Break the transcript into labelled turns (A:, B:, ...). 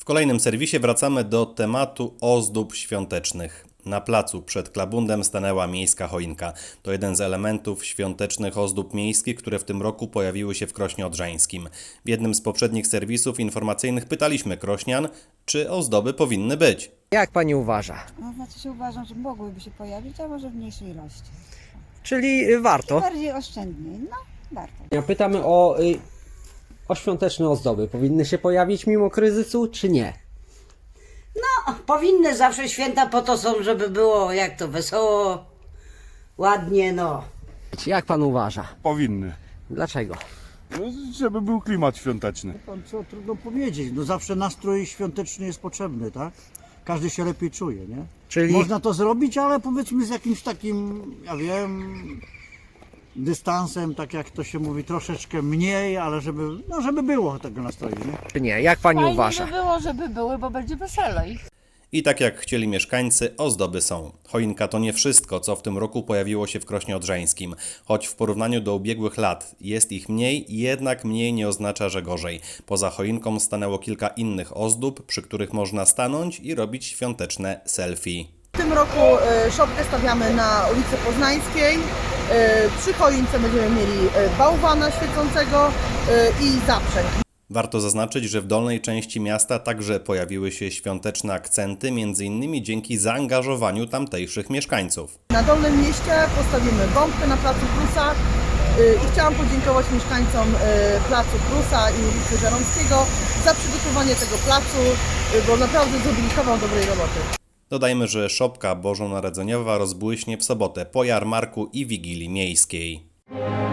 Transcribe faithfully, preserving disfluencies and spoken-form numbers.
A: kolejnym serwisie wracamy do tematu ozdób świątecznych. Na placu przed Klabundem stanęła miejska choinka. To jeden z elementów świątecznych ozdób miejskich, które w tym roku pojawiły się w Krośnie Odrzańskim. W jednym z poprzednich serwisów informacyjnych pytaliśmy krośnian, czy ozdoby powinny być.
B: Jak pani uważa?
C: No, znaczy się uważam, że mogłyby się pojawić, a może w mniejszej ilości.
B: Czyli warto.
C: Bardziej oszczędniej, no warto.
B: Ja pytamy o, y, o świąteczne ozdoby. Powinny się pojawić mimo kryzysu, czy nie?
D: No, powinny zawsze święta po to są, żeby było jak to wesoło, ładnie, no.
B: Jak pan uważa?
E: Powinny.
B: Dlaczego?
E: No, żeby był klimat świąteczny.
F: Pan co, trudno powiedzieć, no zawsze nastrój świąteczny jest potrzebny, tak? Każdy się lepiej czuje, nie?
B: Czyli
F: Można to zrobić, ale powiedzmy z jakimś takim, ja wiem, dystansem, tak jak to się mówi, troszeczkę mniej, ale żeby, no żeby było tego nastroju, nie?
B: czy nie? Jak pani
G: Fajnie
B: uważa?
G: by było, żeby były, bo będzie weselej.
A: I tak jak chcieli mieszkańcy, ozdoby są. Choinka to nie wszystko, co w tym roku pojawiło się w Krośnie Odrzańskim. Choć w porównaniu do ubiegłych lat jest ich mniej, jednak mniej nie oznacza, że gorzej. Poza choinką stanęło kilka innych ozdób, przy których można stanąć i robić świąteczne selfie.
H: W tym roku e, szopkę stawiamy na ulicy Poznańskiej. E, Przy choince będziemy mieli e, bałwana świecącego e, i zaprzęg.
A: Warto zaznaczyć, że w dolnej części miasta także pojawiły się świąteczne akcenty, między innymi dzięki zaangażowaniu tamtejszych mieszkańców.
H: Na Dolnym Mieście postawimy bombkę na placu Prusa e, i chciałam podziękować mieszkańcom e, placu Prusa i ulicy Żeromskiego za przygotowanie tego placu, e, bo naprawdę zrobili kawał dobrej roboty.
A: Dodajmy, że szopka bożonarodzeniowa rozbłyśnie w sobotę po jarmarku i Wigilii Miejskiej.